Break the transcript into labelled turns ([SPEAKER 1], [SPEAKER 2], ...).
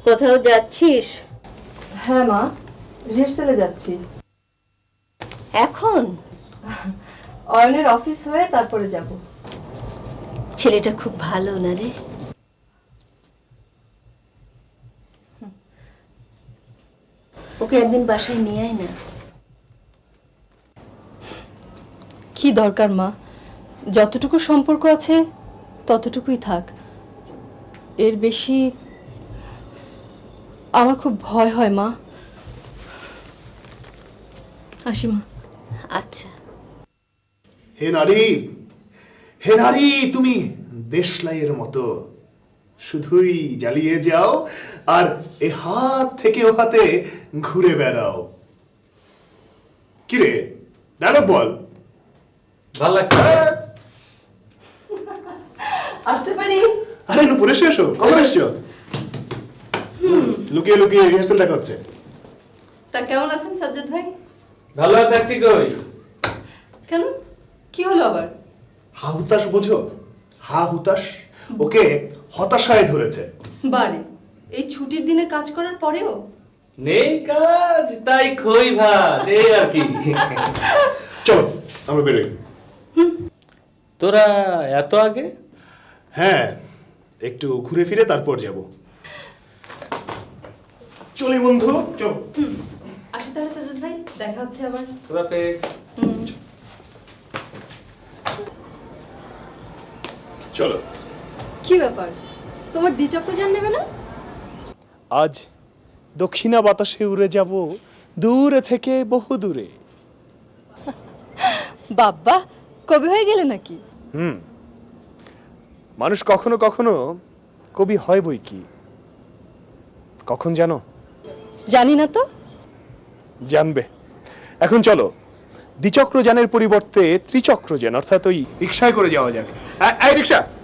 [SPEAKER 1] কোথাও যাচ্ছিস?
[SPEAKER 2] হ্যাঁ মা, রিহার্সালে যাচ্ছি।
[SPEAKER 1] এখন?
[SPEAKER 2] অয়নের অফিস হয়ে তারপরে যাব।
[SPEAKER 1] ছেলেটা খুব ভালো না রে? ওকে একদিন বাসায় নিয়ে আয় না।
[SPEAKER 2] কি দরকার মা, যতটুকু সম্পর্ক আছে ততটুকুই থাক। এর বেশি আমার খুব ভয় হয় মা। আসি মা।
[SPEAKER 1] আচ্ছা।
[SPEAKER 3] হে নারী, হে নারী, তুমি দেশলাইয়ের মতো শুধুই জ্বালিয়ে যাও আর এ হাত থেকে ও হাতে ঘুরে বেড়াও। কিরে, ডায়লগ বল।
[SPEAKER 4] ভালো লাগছে।
[SPEAKER 2] আসতে পারি?
[SPEAKER 3] আরে নুপুর এসো এসো, কখন এসছো? লুকিয়ে লুকিয়ে রিহার্সাল দেখা হচ্ছে।
[SPEAKER 2] তা কেমন আছেন সাজ্জাদ ভাই?
[SPEAKER 4] ভালো আর থাকছি কই?
[SPEAKER 2] কেন, কি হলো আবার?
[SPEAKER 3] হা হুতাশ বোঝো? হা হুতাশ ওকে হতাশায় ধরেছে।
[SPEAKER 2] বারে, এই ছুটির দিনে কাজ করার পরেও?
[SPEAKER 4] নেই কাজ তাই খই ভাত এই আর কি।
[SPEAKER 3] চলো আমরা বেরোই।
[SPEAKER 4] তোরা এত আগে?
[SPEAKER 3] হ্যাঁ, একটু ঘুরে ফিরে তারপর যাব। চলি বন্ধু, চল।
[SPEAKER 2] আসি তাহলে সাজ্জাদ ভাই, দেখা হচ্ছে আবার।
[SPEAKER 4] তোরা পেস।
[SPEAKER 3] চলো।
[SPEAKER 2] কি ব্যাপার, তোমার দ্বিচক্রযান নেবে না?
[SPEAKER 3] আজ দক্ষিণা বাতাসে উড়ে যাব দূরে থেকে বহু দূরে।
[SPEAKER 2] বাবা, কবি হয়ে গেলে নাকি?
[SPEAKER 3] মানুষ কখনো কখনো কবি হয় বই কি, কখন জানো?
[SPEAKER 2] জানি না তো।
[SPEAKER 3] জানবে। এখন চলো, দ্বিচক্রযানের পরিবর্তে ত্রিচক্রযান অর্থাৎ ওই রিক্সায় করে যাওয়া যাক। এই রিক্সা।